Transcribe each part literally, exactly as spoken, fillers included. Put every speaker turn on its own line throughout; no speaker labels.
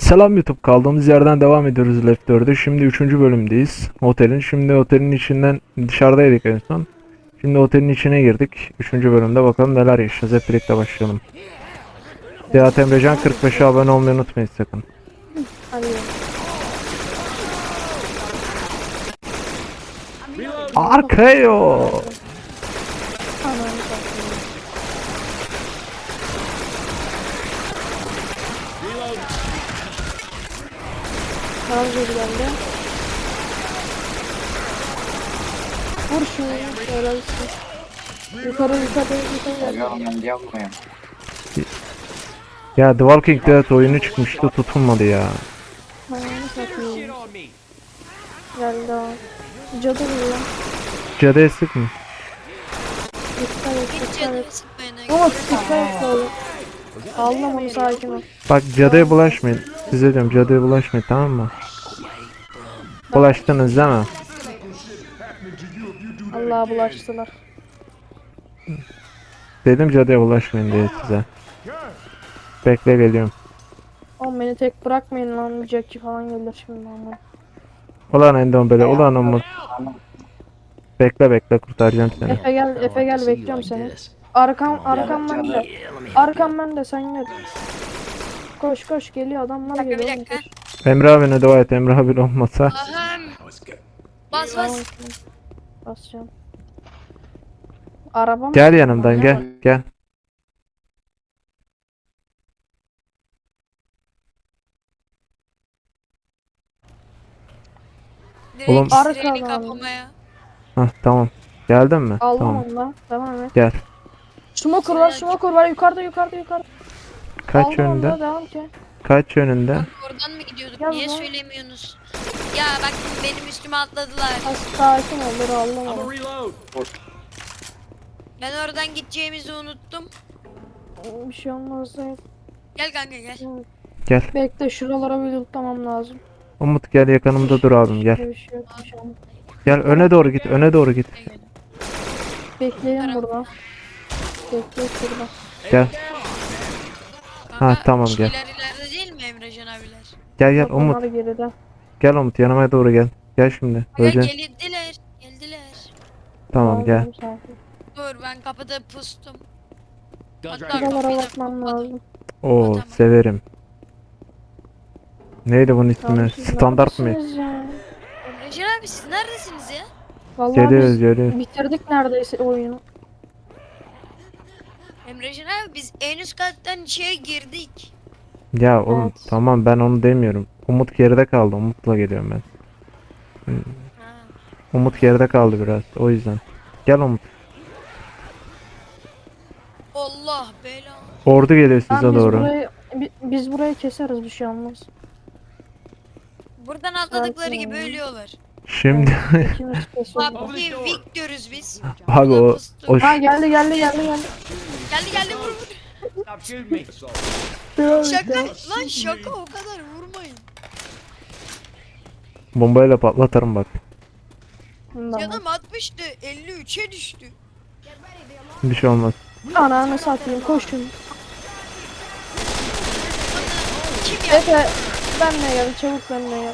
Selam YouTube, kaldığımız yerden devam ediyoruz Left dörde. Şimdi üçüncü bölümdeyiz otelin. Şimdi otelin içinden dışarıdaydık en son. Şimdi otelin içine girdik. Üçüncü bölümde bakalım neler yaşayacağız. Hep birlikte başlayalım. Seyahat Emrecan kırk beşe abone olmayı unutmayın sakın. Arkayo.
Tamam geri geldi. Vur şunu. Şöyle bir şey. Yukarı yukarı yukarı geldi.
Ya The Walking Dead oyunu çıkmıştı, tutulmadı ya.
Ayağını satayım. Geldi o. Cadı vuruyor.
Cadıya sık mı?
Dikkat et
Hiç
dikkat
canımı
et.
sıkmayın.
Ama dikkat et oğlum. Allah'ım onu sakin ol.
Bak cadıya bulaşmayın. Size diyorum cadıya bulaşmayın, tamam mı? Bulaştınız değil mi?
Allah'a bulaştılar.
Dedim cadıya bulaşmayın diye size. Bekle, geliyorum.
Oğlum beni tek bırakmayın lan. Jackie falan gelir şimdi ama.
Ulan Endombele, ulan Umut. Bekle bekle, kurtaracağım seni.
Efe gel, Efe gel bekliyorum seni. Arkam, arkam bende. Arkam bende, sen gel. Koş koş geliyor, adamlar
Bir dakika,
geliyor.
bir dakika.
Koş.
Emre abine dua et, Emre abin olmasa.
Aham. Bas bas.
Basacağım. Arabam.
Gel yanımdan, gel gel.
Direkt
Oğlum-
sireni
Arkadan.
kapamaya.
Hah tamam. Geldin mi?
Aldım
Tamam.
onu da. Devam et.
Gel.
Smoker var, smoker var. Yukarıda, yukarıda, yukarıda.
Kaç
Aldım onu da,
yönünde?
devam ki.
Kaç yönünde?
Bak, oradan mı gidiyorduk?
Gel
Niye
lan.
söylemiyorsunuz? Ya bak benim üstüme atladılar.
Az sakin ol, dur aldım onu.
Ben oradan gideceğimizi unuttum.
Bir şey olmaz değil.
Gel kanka gel.
Gel.
Bekle, şuralara bir tutmam lazım.
Umut gel, yakınımda dur abim, gel.
Bir şey yok, bir şey olmaz.
Gel öne doğru git, öne doğru git.
Gel, gel.
Bekleyin burada. Bekle şurada.
Gel.
Kanka,
Ha, tamam, gel.
şeyler ileride değil mi Emrecan abiler?
Gel gel
Bak,
Umut.
onlar geride.
Gel Umut, yanıma doğru gel. Gel şimdi.
Gel
Öleceksin.
geldiler. Geldiler.
Tamam gel.
Aldım, sakin.
Dur ben kapıda pustum. Hatta
Şuralara
kapıyı da
bakmam
kapadım.
lazım.
Oo
Tamam.
severim. Neydi bunun ismi?
Abi siz
Standart mı?
neredesiniz ya?
Emrecan abi siz neredesiniz ya?
Vallahi
Geliyoruz
biz
geliyoruz.
bitirdik neredeyse oyunu.
Emrecan abi biz en üst kattan şeye girdik.
Ya oğlum
Evet.
tamam, ben onu demiyorum. Umut geride kaldı. Umut'la geliyorum ben.
Ha.
Umut geride kaldı biraz. O yüzden. Gel Umut.
Allah bela.
Ordu geliyor
Tamam,
size
biz
doğru.
burayı bi- biz burayı keseriz, bir şey olmaz.
Buradan atladıkları
Sakin
gibi
ol.
ölüyorlar.
Şimdi
İkimiz kesiyoruz.
Papi Vic diyoruz biz.
abi o, o
Ha geldi geldi geldi geldi.
Geldi geldi vur vur.
Stop shooting me.
Şaka lan şaka o kadar vurmayın.
bombayla patlatırım bak.
Tamam.
Canım altmıştı elli üçe düştü.
Bir şey olmaz.
Ananı satayım, koşun.
Kim ya?
Efe benle gel, çabuk benle gel.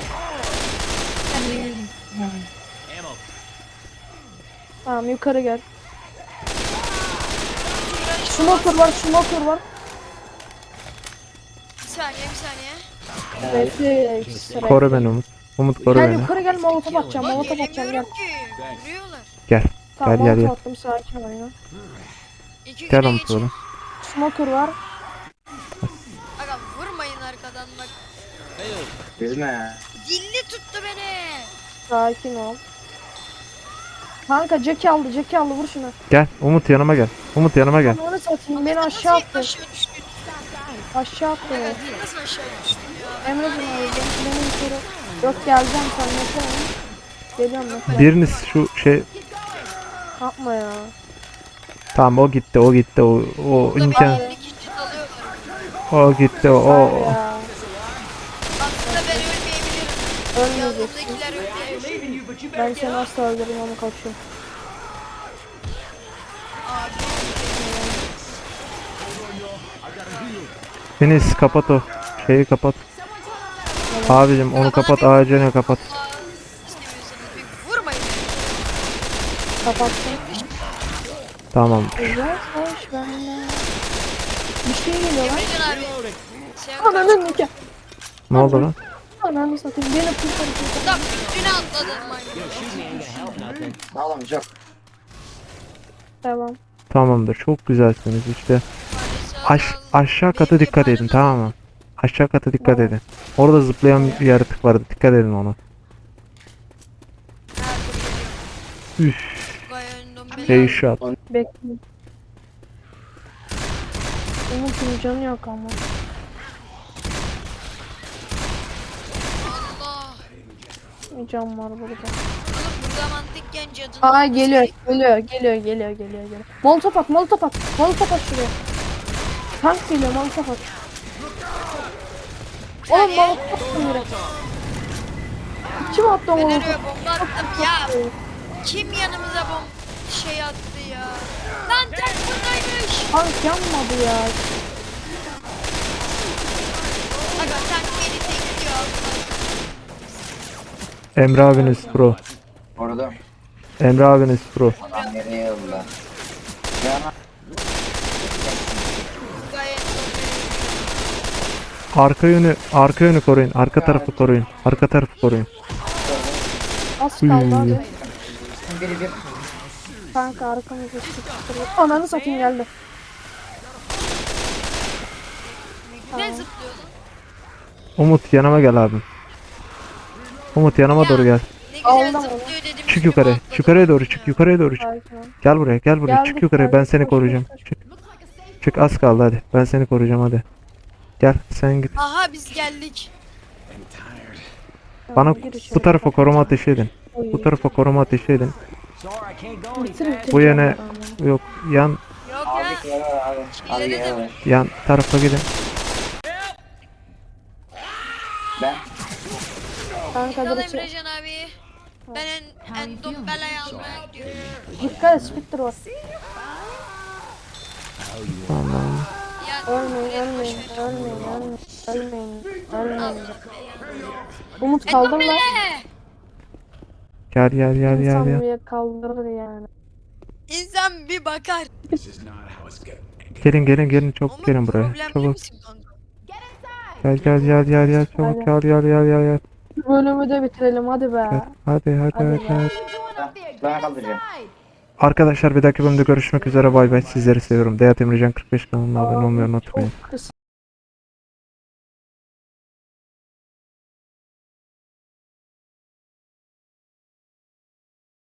Ammo.
Tamam yukarı gel. Smoker var, smoker var.
Bir saniye bir saniye.
Bekle ekstra.
Koru beni Umut. Umut koru
Gel
beni.
yukarı gel, molotof atacağım,
Lan
molotof atacağım gel.
gelemiyorum ki. Vuruyorlar.
Gel.
Tamam
Gel, gel,
molotof
gel.
attım, sakin ol ya.
İki
Gel
güne
Umut
geçin.
oğlum.
Smoker var.
Aga vurmayın arkadan bak.
Üzme.
Dilli tuttu beni.
Sakin ol. Kanka Jackie aldı, Jackie aldı, vur şunu.
Gel Umut, yanıma gel. Umut yanıma gel.
Onu satayım, beni
Nasıl
aşağı attı.
Aşağı düştün.
Aşağı attı.
Aga nasıl aşağı düştün ya?
Emre bunu alacağım, beni yukarı. Yok geleceğim, sen yapalım. Geliyorum ben.
Biriniz şu şey,
Yapma ya.
tamam o gitti, o gitti, o o
Burada
imkan,
bir elli kişi alıyorlar.
o gitti, o
Var
o.
ya.
Aslında ben ölmeyebilirim.
Ölmeyeceksin.
Yanımdakiler ölmeyebilir.
Leaving you, but you
Ben
better
seni
get up.
asla öldürürüm ama kaçıyorum.
Abi.
Deniz kapat o şeyi, kapat. Abicim onu kapat, ağacını kapat.
Allah istemiyorsanız bir vurmayın.
Kapattım.
Tamam.
Güzel hoş bende. Bir şey geliyor lan.
Emrecan abi. Sen
Ananın nikah.
Ne oldu lan?
Ananı satayım. Beni kurtar kurtar.
da üstüne atladın maymun.
Oğlum çok.
Tamam.
Tamamdır. Çok güzelsiniz işte. Aş aşağı kata dikkat edin, tamam mı? Aşağı kata dikkat edin. Orada zıplayan bir yaratık vardı. Dikkat edin ona. Üf. Headshot.
Bekle. Umut'un canı yok ama.
Allah.
Bir can var burada.
Oğlum burada mantıkken cadının
Aa
olması
geliyor,
gerek-
geliyor, geliyor, geliyor, geliyor, geliyor. Molotof at, molotof at, molotof at şuraya. Tank geliyor, molotof at. Oğlum molotof attı yere. Kim attı o
Ben
molotof?
oraya bomba attım ya. Kim yanımıza bom şey attı ya. Lan tank buradaymış.
Tank yanmadı ya.
Aga tank beni tekliyor.
Emre abiniz pro.
Orada.
Emre abiniz pro.
Adam nereye yolla? Yana.
Gayet normal.
Arka yönü, arka yönü koruyun. Arka tarafı koruyun. Arka tarafı koruyun.
Az kaldı hadi.
Biri bir.
Kanka arkamızda sıkıştırıyor. Ananı satayım geldi.
Ne zıplıyor lan?
Umut yanıma gel abim. Umut yanıma doğru gel.
Ne güzel
Aldım onu.
zıplıyor dedim.
Çık yukarı. Yukarıya doğru çık. Yukarıya doğru çık.
Sakin ol.
Gel buraya, gel buraya.
Gel
Çık
bu
yukarıya. Ben
tarafa,
seni
koş,
koruyacağım.
koş, koş.
Çık. Çık az kaldı hadi. Ben seni koruyacağım hadi. Gel sen git.
Aha biz geldik.
Bana
Gir içeri.
bu tarafa koruma ateşi edin.
Oy.
Bu tarafa koruma ateşi edin.
Bitir bitir.
Bu yöne
canım.
yok. Yan
Yok ya.
Abi. Abi
İleri de
gel.
yan tarafa gidin.
Ben.
Kanka
Yol
dur içeri.
Emrecan abi. Ben en, en don belayı almaya gidiyorum.
Dikkat et Spectre var.
Tamam.
Ya
Ölmeyin,
gel, boş
ölmeyin,
ver.
ölmeyin, ölmeyin, ölmeyin,
Al.
ölmeyin. Umut
En don
kaldır lan.
bele.
Gel gel gel gel
İnsan
gel.
bir kaldırır yani.
İnsan bir bakar.
Gelin gelin gelin çabuk
Ama
gelin buraya.
problemli
Çabuk.
misin kanka?
Gel gel gel gel gel çabuk gel gel gel gel gel.
Bu bölümü de bitirelim hadi be.
Gel. Hadi hadi
Hadi
hadi.
ya.
hadi.
Ben kaldıracağım.
Arkadaşlar bir dahaki bölümde görüşmek üzere. Bay bay. Sizleri seviyorum. Deyat Emrecan kırk beş kanalına abone olmayı unutmayın.
Çok kısa.